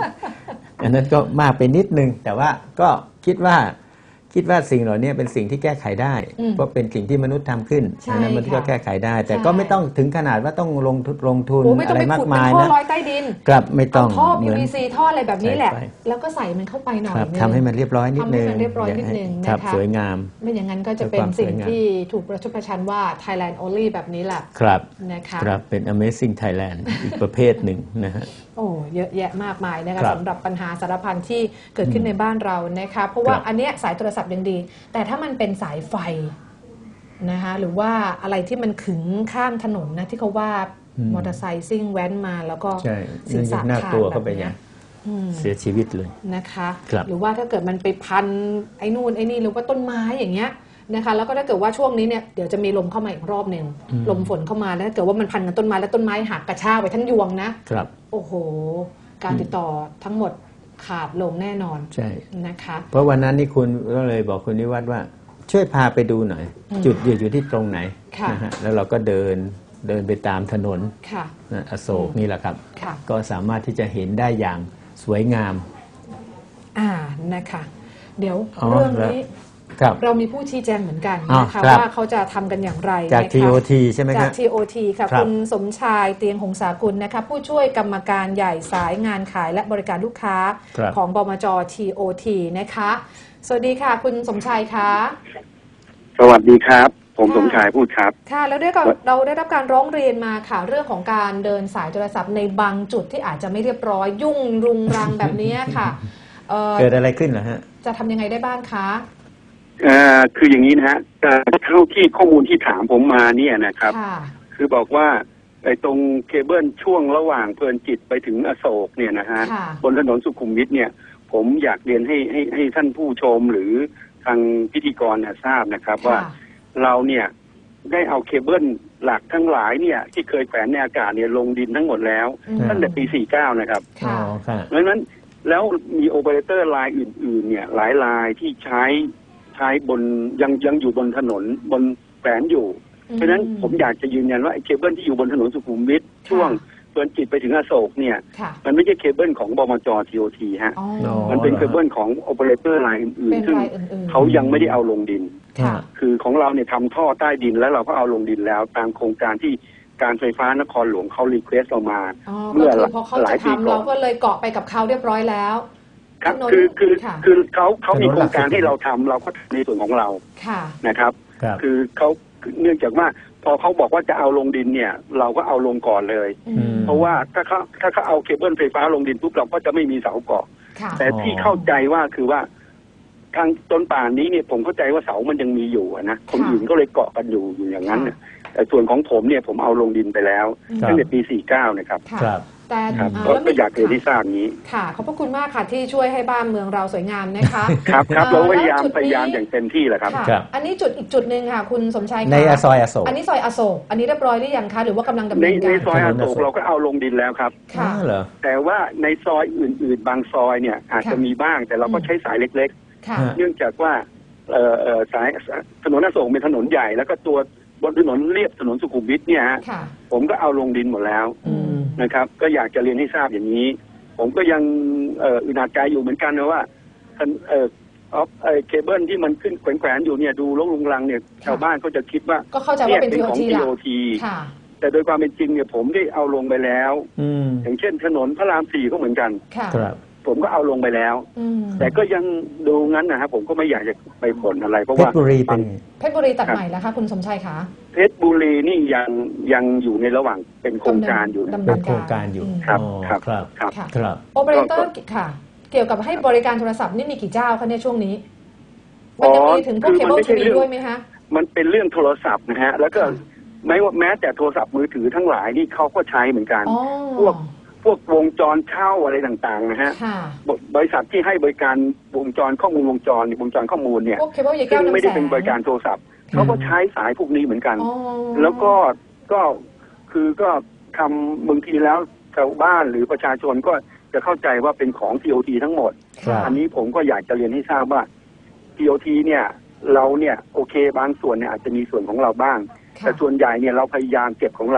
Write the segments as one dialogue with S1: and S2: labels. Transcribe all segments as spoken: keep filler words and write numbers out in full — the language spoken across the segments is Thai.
S1: อันนั้นก็มากไปนิดนึงแต่ว่าก็คิดว่าคิดว่าสิ่งเหล่านี้เป็นสิ่งที่แก้ไขได้เพราะเป็นสิ่งที่มนุษย์ทำขึ้นฉะนั้นมันก็แก้ไขได้แต่ก็ไม่ต้องถึงขนาดว่าต้องลงทุนลงทุนอะไรมากมายนะ
S2: ท่อลอยใต้ดิน
S1: ครับไม่ต้อง
S2: ท่อ พี วี ซี ท่ออะไรแบบนี้แหละแล้วก็ใส่มันเข้าไปหน่อยนึง
S1: ทำให้มันเรียบร้อยนิดนึง
S2: ทำให้มันเรียบร้อยนิดนึงนะคะ
S1: สวยงาม
S2: ไม่อย่างนั้นก็จะเป็นสิ่งที่ถูกประชดประชันว่า Thailand only แบบนี้แหละ
S1: ครับ
S2: นะคะ
S1: ครับเป็น Amazing Thailand อีกประเภทหนึ่งนะฮะ
S2: โอ้เยอะแยะมากมายนะคะสำหรับปัญหาสารพันที่เกิดขึ้นในบ้านเรานะคะเพราะว่าอันเนี้ยสายโทรศัพท์ยังดีแต่ถ้ามันเป็นสายไฟนะคะหรือว่าอะไรที่มันขึงข้ามถนนนะที่เขาว่ามอเตอร์ไซค์ซิ่งแว้นมาแล้วก็
S1: ศีรษะขาดแบบนี้เสียชีวิตเลย
S2: นะคะหรือว่าถ้าเกิดมันไปพันไอ้นู่นไอ้นี่หรือว่าต้นไม้อย่างเงี้ยนะคะแล้วก็ถ้าเกิดว่าช่วงนี้เนี่ยเดี๋ยวจะมีลมเข้ามาอีกรอบหนึ่งลมฝนเข้ามาแล้วถ้าเกิดว่ามันพันกับต้นไม้แล้วต้นไม้หักกระชากไปทั้งยวงนะครับโอ้โหการติดต่อทั้งหมดขาดลงแน่นอน
S1: ใช่
S2: นะคะ
S1: เพราะวันนั้นนี่คุณก็เลยบอกคุณนิวัฒน์ว่าช่วยพาไปดูหน่อยจุดอยู่อยู่ที่ตรงไหนนะฮะแล้วเราก็เดินเดินไปตามถนนอโศกนี่แหละครับก็สามารถที่จะเห็นได้อย่างสวยงาม
S2: อ่านะคะเดี๋ยวเรื่องนี้เรามีผู้ชี้แจงเหมือนกันนะคะว่าเขาจะทำกันอย่างไร
S1: จาก ที โอ ที ใช่ไหมครับ
S2: จาก ที โอ ที ค่ะคุณสมชายเตียงหงสากุลนะคะผู้ช่วยกรรมการใหญ่สายงานขายและบริการลูกค้าของบมจ ที โอ ที นะคะสวัสดีค่ะคุณสมชายคะ
S3: สวัสดีครับผมสมชายพูดครับ
S2: ค่ะแล้วด้วยเราได้รับการร้องเรียนมาค่ะเรื่องของการเดินสายโทรศัพท์ในบางจุดที่อาจจะไม่เรียบร้อยยุ่งรุงรังแบบนี้ค่ะ
S1: เกิดอะไรขึ้นเหรอฮะ
S2: จะทำยังไงได้บ้างคะ
S3: อ่าคืออย่างนี้นะฮะเท่าที่ข้อมูลที่ถามผมมาเนี่ยนะครับคือบอกว่าไอ้ตรงเคเบิลช่วงระหว่างเพลินจิตไปถึงอโศกเนี่ยนะฮะบนถนนสุขุมวิทเนี่ยผมอยากเรียนให้ให้ให้ท่านผู้ชมหรือทางพิธีกรทราบนะครับว่าเราเนี่ยได้เอาเคเบิลหลักทั้งหลายเนี่ยที่เคยแขวนในอากาศเนี่ยลงดินทั้งหมดแล้วตั้งแต่ปีสี่สิบเก้านะครับเพราะฉะนั้นแล้วมีโอเปอเรเตอร์รายอื่นๆเนี่ยหลายรายที่ใช้ใช้บนยังยังอยู่บนถนนบนแขวนอยู่เพราะฉะนั้นผมอยากจะยืนยันว่าไอ้เคเบิลที่อยู่บนถนนสุขุมวิทช่วงเพลินจิตไปถึงอโศกเนี่ยมันไม่ใช่เคเบิลของบมจ ที โอ ที ฮะมันเป็นเคเบิลของโอเปอเรเตอร์รายอื่นๆซึ่งเขายังไม่ได้เอาลงดินคือของเราเนี่ยทำท่อใต้ดินแล้วเราก็เอาลงดินแล้วตามโครงการที่การไฟฟ้านครหลวงเขารีเควสเรามา
S2: เมื่อหลายปีก่อนเราก็เลยเกาะไปกับเขาเรียบร้อยแล้ว
S3: ครับคือคือคือเขาเขามีโครงการให้เราทำเราก็ทำในส่วนของเรานะครับคือเขาเนื่องจากว่าพอเขาบอกว่าจะเอาลงดินเนี่ยเราก็เอาลงก่อนเลยเพราะว่าถ้าเขาถ้าเขาเอาเคเบิลไฟฟ้าลงดินปุ๊บเราก็จะไม่มีเสาเกาะแต่ที่เข้าใจว่าคือว่าทางต้นป่านนี้เนี่ยผมเข้าใจว่าเสามันยังมีอยู่นะคนอื่นก็เลยเกาะกันอยู่อยู่อย่างนั้นแต่ส่วนของผมเนี่ยผมเอาลงดินไปแล้วตั้งแต่ปีสี่สิบเก้านะครับ
S2: แต่
S3: ก็อยากเรียนที่ทราบนี้
S2: ค่ะขอบพระคุณมากค่ะที่ช่วยให้บ้านเมืองเราสวยงามนะคะ
S3: ครับครับเราพยายามพยายามอย่างเต็มที่แหละครับ
S2: อันนี้จุดอีกจุดหนึ่งค่ะคุณสมชาย
S1: ในซอยอโศก
S2: อันนี้ซอยอโศกอันนี้เรียบร้อยหรือยังคะหรือว่ากำลังดำเนินการ
S3: ในซอยอโศกเราก็เอาลงดินแล้วครับ
S2: ค่ะ
S1: เหรอ
S3: แต่ว่าในซอยอื่นๆบางซอยเนี่ยอาจจะมีบ้างแต่เราก็ใช้สายเล็กๆเนื่องจากว่าสายถนนอโศกเป็นถนนใหญ่แล้วก็ตัวบนถนนเรียบถนนสุขุมวิทเนี่ยฮะผมก็เอาลงดินหมดแล้วนะครับก็อยากจะเรียนให้ทราบอย่างนี้ผมก็ยังอึดอัดใจอยู่เหมือนกันนะว่าเอ่อออฟเคเบิลที่มันขึ้นแขวนๆอยู่เนี่ยดูลกลุงลังเนี่ยชาวบ้านก็จะคิดว่า
S2: เนี่ย
S3: เป็นของ ที โอ ที แต่โดยความเป็นจริงเนี่ยผมได้เอาลงไปแล้วอย่างเช่นถนนพระรามสี่ก็เหมือนกันผมก็เอาลงไปแล้วแต่ก็ยังดูงั้นนะครับผมก็ไม่อยากจะไปบ่นอะไรเพราะว่า
S1: เพชรบุรีเป็น
S2: เพชรบุรีตัดใหม่แล้วคะคุณสมชัยคะ
S3: เพชรบุรีนี่ยังยังอยู่ในระหว่างเป็นโครงการอยู่
S1: เป็นโครงการอยู่
S3: ครับครับ
S1: ครับครับ
S2: โอเปอเรเตอร์ค่ะเกี่ยวกับให้บริการโทรศัพท์นี่มีกี่เจ้าคะเนี่ยช่วงนี้มันจะมีถึงพวกเคเบิลทีวีด้วยไหมคะ
S3: มันเป็นเรื่องโทรศัพท์นะฮะแล้วก็ไม่ว่าแม้แต่โทรศัพท์มือถือทั้งหลายนี่เขาก็ใช้เหมือนกันพวกพวกวงจรเช่าอะไรต่างๆนะฮะบริษัทที่ให้บริการวงจรข้อมูลวงจรวงจรข้อมูลเนี่ยซึ่งไม่ได้เป็นบริการโทรศัพท์เขาก็ใช้สายพวกนี้เหมือนกันแล้วก็ก็คือก็ทำบางทีแล้วชาวบ้านหรือประชาชนก็จะเข้าใจว่าเป็นของ ที โอ ที ทั้งหมดอันนี้ผมก็อยากจะเรียนให้ทราบว่า ที โอ ที เนี่ยเราเนี่ยโอเคบางส่วนเนี่ยอาจจะมีส่วนของเราบ้างแต่ส่วนใหญ่เนี่ยเราพยายามเก็บของเรา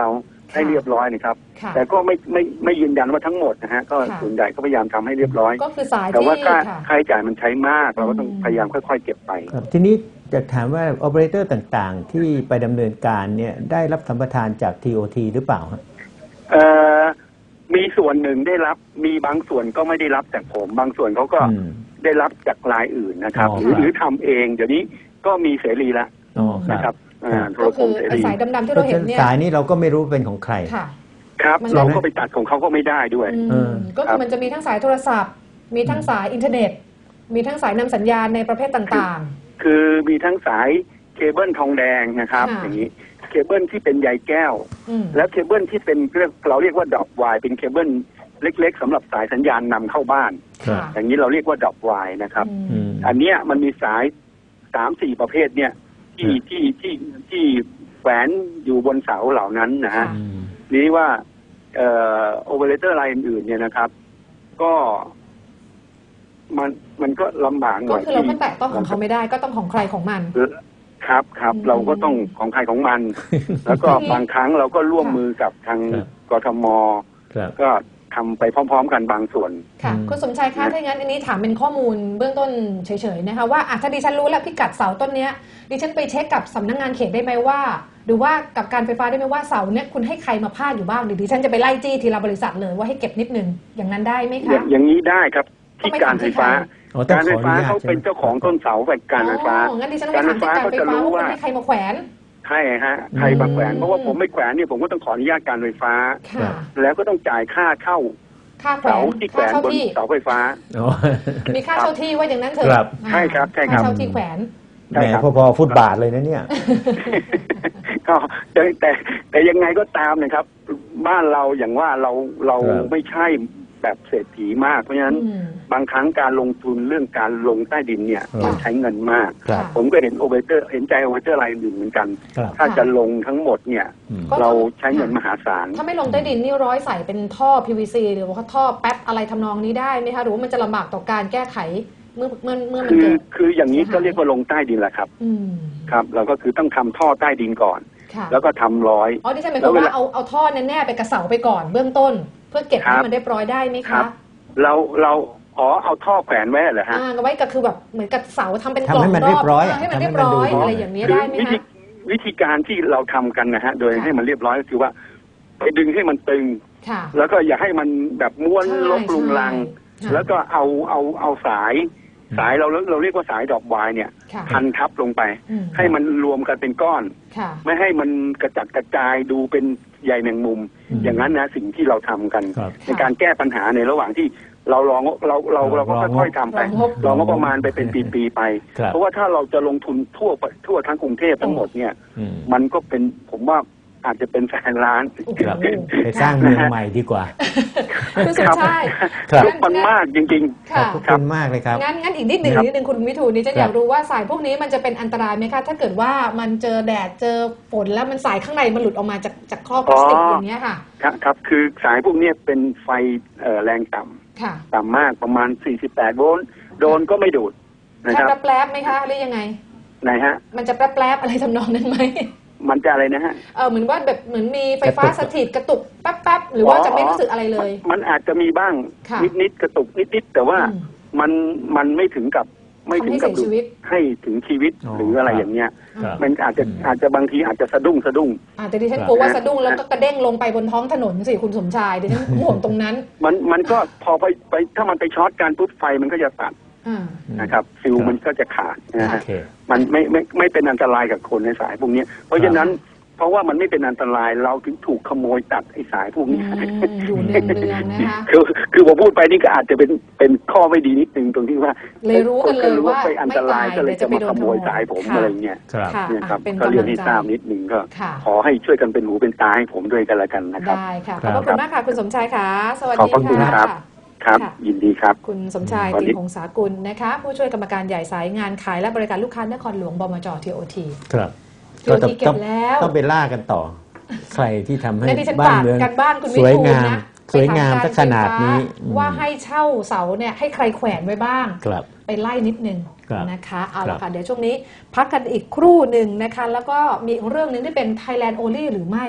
S3: ให้เรียบร้อยนะครับแต่ก็ไม่ไม่ไม่ยืนยันว่าทั้งหมดนะฮะก็ส่วนใหญ่ก็พยายามทำให้เรียบร้อย
S2: ก็คือสาย
S3: แต่ว่าค่าค่าใช้จ่ายมันใช้มากเราก็ต้องพยายามค่อยๆเก็บไป
S1: ทีนี้จะถามว่าโอเปอเรเตอร์ต่างๆที่ไปดำเนินการเนี่ยได้รับสัมปทานจาก ที โอ ที หรือเปล่าครับ
S3: เอ่อมีส่วนหนึ่งได้รับมีบางส่วนก็ไม่ได้รับจากผมบางส่วนเขาก็ได้รับจากรายอื่นนะครับหรือหรือทำเองเดี๋ยวนี้ก็มีเสรีแล้วนะครับโทรคมเสรี
S2: สายดำๆที่เราเห็นเนี่ย
S1: สายนี้เราก็ไม่รู้เป็นของใคร
S3: ครับเราก็ไปตัดของเขาก็ไม่ได้ด้วย
S2: ก็คือมันจะมีทั้งสายโทรศัพท์มีทั้งสายอินเทอร์เน็ตมีทั้งสายนำสัญญาณในประเภทต่าง
S3: ๆคือมีทั้งสายเคเบิลทองแดงนะครับอย่างนี้เคเบิลที่เป็นใยแก้วและเคเบิลที่เป็นเราเรียกว่าดอกวายเป็นเคเบิลเล็กๆสำหรับสายสัญญาณนำเข้าบ้านอย่างนี้เราเรียกว่าดอกวายนะครับอันเนี้ยมันมีสายสามสี่ประเภทเนี่ยที่ที่ที่ที่แขวนอยู่บนเสาเหล่านั้นนะฮะนี้ว่าเอ่อโอเปอเรเตอร์รายอื่นๆเนี่ยนะครับก็มันมันก็ลำบากหน่อย
S2: ก็คือเราก็แตะต้องของเขาไม่ได้ก็ต้องของใครของมัน
S3: ครับครับเราก็ต้องของใครของมันแล้วก็บางครั้งเราก็ร่วมมือกับทางกทมก็ทำไปพร้อมๆกันบางส่วน
S2: ค่ะคุณสมชายคะถ้าอย่างนั้นอันนี้ถามเป็นข้อมูลเบื้องต้นเฉยๆนะคะว่าถ้าดิฉันรู้แล้วพิกัดเสาต้นเนี้ยดิฉันไปเช็คกับสำนักงานเขตได้ไหมว่าหรือว่ากับการไฟฟ้าได้ไหมว่าเสาเนี้ยคุณให้ใครมาพาดอยู่บ้างหรือดิฉันจะไปไล่จี้ทีละบริษัทเลยว่าให้เก็บนิดนึงอย่างนั้นได้ไหมคะ
S3: อย่างนี้ได้ครับที่การไฟฟ้าการไฟฟ้าเขาเป็นเจ้าของต้นเสาแบบการไฟฟ้า
S2: การไฟฟ้าเขาจะรู้ว่าให้ใครมาแขวน
S3: ใช่ฮะใครมาแขวนเพราะว่าผมไม่แขวนเนี่ยผมก็ต้องขออนุญาตการไฟฟ้าแล้วก็ต้องจ่ายค่าเข้าเสาที่แขวนบนเสาไฟฟ้า
S2: มีค่าเช่าที่ว่าอย่างนั้นเถอะ
S3: ใช่ครับใช่ครับ
S2: ค่าเช่าที่แขวน
S1: แหมพอๆฟุตบาทเลยนะเนี่ย
S3: ก็แต่แต่แต่ยังไงก็ตามนะครับ บ้านเราอย่างว่าเราเราไม่ใช่แบบเศรษฐีมากเพราะฉะนั้นบางครั้งการลงทุนเรื่องการลงใต้ดินเนี่ยมันใช้เงินมากผมก็เห็นโอเปอเรเตอร์เห็นใจโอเปอเรเตอร์รายอื่นเหมือนกันถ้าจะลงทั้งหมดเนี่ยเราใช้เงินมหาศาล
S2: ถ้าไม่ลงใต้ดินนี่ร้อยใส่เป็นท่อ พี วี ซี หรือว่าท่อแป๊บอะไรทำนองนี้ได้ไหมคะหรือว่ามันจะลำบากต่อการแก้ไขเมื่อเมื่อเมื่อมัน
S3: เกิดคืออย่างนี้ก็เรียกว่าลงใต้ดินแหละครับครับเราก็คือต้องทำท่อใต้ดินก่อนแล้วก็ทำร้อย
S2: อ๋อที่ใช่หมายความว่าเอาเอาท่อแน่ๆไปกระเสาไปก่อนเบื้องต้นเพื่อเก็บให้มันเรียบร้อยได้ไหมคะ
S3: เราเราอ๋อเอาท่อแขวนไว้เหรอฮะ
S2: อ่าไว้ก็คือแบบเหมือนกับเสาทำเป็นกล่องรอบให้มันเรียบร้อยอะไรอย่างนี้ได้ไหมคะ
S3: วิธีการที่เราทำกันนะฮะโดยให้มันเรียบร้อยก็คือว่าไปดึงให้มันตึงแล้วก็อย่าให้มันแบบม้วนลบลุงลังแล้วก็เอาเอาเอาสายสายเราเราเรียกว่าสายดอกวายเนี่ยพันทับลงไปให้มันรวมกันเป็นก้อนไม่ให้มันกระจัดกระจายดูเป็นใยแมงมุมอย่างนั้นนะสิ่งที่เราทำกันในการแก้ปัญหาในระหว่างที่เราลองเราเราเราก็ค่อยๆทำไปลองก็ประมาณไปเป็นปีๆไปเพราะว่าถ้าเราจะลงทุนทั่วทั่วทั้งกรุงเทพทั้งหมดเนี่ยมันก็เป็นผมว่าอาจจะเป็นแสนล้าน
S1: ไปสร้างเมืองใหม่ดีกว่า
S2: คุณสมชาย
S3: ลุกมันมากจริง
S1: ๆขอบคุณมากเลยครับ
S2: งั้นงั้นอีกนิดหนึ่งนิดหนึ่งคุณวิทูลนี่จะอยากรู้ว่าสายพวกนี้มันจะเป็นอันตรายไหมคะถ้าเกิดว่ามันเจอแดดเจอฝนแล้วมันสายข้างในมันหลุดออกมาจากจากครอบพลาสติกอย่างเงี้ยค่ะ
S3: ครับคือสายพวกนี้เป็นไฟแรงต่ำต่ำมากประมาณสี่สิบแปดโวลต์โดนก็ไม่ดูด
S2: นะครับจะแปรบไหมคะหรือยังไง
S3: ไหนฮะ
S2: มันจะแปรบอะไรทำนองนั้นไหม
S3: มันจะอะไรนะฮะ
S2: เออเหมือนว่าแบบเหมือนมีไฟฟ้าสถิตกระตุกแป๊บๆหรือว่าจะไม่รู้สึกอะไรเลย
S3: มันอาจจะมีบ้างนิดๆกระตุกนิดๆแต่ว่ามันมันไม่ถึงกับไม่ถึงกับให้ถึงชีวิตหรืออะไรอย่างเงี้ยมันอาจจะอาจจะบางทีอาจจะสะดุ้งสะดุ้ง
S2: อาจจะดิฉันกลัวว่าสะดุ้งแล้วก็กระเด้งลงไปบนท้องถนนสิคุณสมชายดิฉันห่วงตรงนั้น
S3: มันมันก็พอไปไปถ้ามันไปช็อตการปุ๊บไฟมันก็จะตัดนะครับฟิวมันก็จะขาดนะฮะมันไม่ไม่ไม่เป็นอันตรายกับคนในสายพวกนี้เพราะฉะนั้นเพราะว่ามันไม่เป็นอันตรายเราถึงถูกขโมยตัดไอ้สายพวกนี้
S2: อยู่เนืองๆนะคะ
S3: คือคือผมพูดไปนี่ก็อาจจะเป็นเป็นข้อไม่ดีนิดนึงตรงที่ว่า
S2: เลยรู้กันเลยว่า
S3: ไปอันตรายก็เลยจะมาขโมยสายผมอะไรเงี้ยเนี่ยครับก็เรียนให้ทราบนิดนึงก็ขอให้ช่วยกันเป็นหูเป็นตาให้ผมด้วยกันละกันนะครับ
S2: ได้ค่ะขอบคุณมากค่ะคุณสมชายค่ะสวัสดี
S3: ค่ะครับยินดีครับ
S2: คุณสมชายติงหงษากุลนะคะผู้ช่วยกรรมการใหญ่สายงานขายและบริการลูกค้านครหลวงบมจ ที โอ ที
S1: ครับ
S2: ที โอ ที เก็บแล้ว
S1: ต้องไปล่ากันต่อใครที่ทำให้
S2: บ้านเมือง
S1: สวยงามสวยงามขนาดนี้
S2: ว่าให้เช่าเสาเนี่ยให้ใครแขวนไว้บ้างไปไล่นิดนึงนะคะเอาละค่ะเดี๋ยวช่วงนี้พักกันอีกครู่หนึ่งนะคะแล้วก็มีเรื่องนึงที่เป็น Thailand Only หรือไม่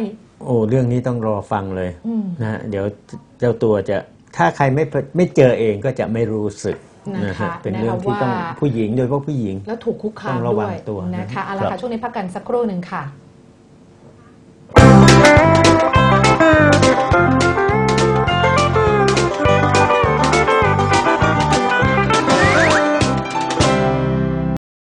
S1: โอ้เรื่องนี้ต้องรอฟังเลยนะเดี๋ยวเจ้าตัวจะถ้าใครไม่ไม่เจอเองก็จะไม่รู้สึกนะฮะเป็นเรื่องที่ต้องผู้หญิงโดยเฉพาะผู้หญิง
S2: แล้วถูกคุกคามด้วยนะคะเอาละค่ะช่วงนี้พักกันสักครู่หนึ่งค่ะ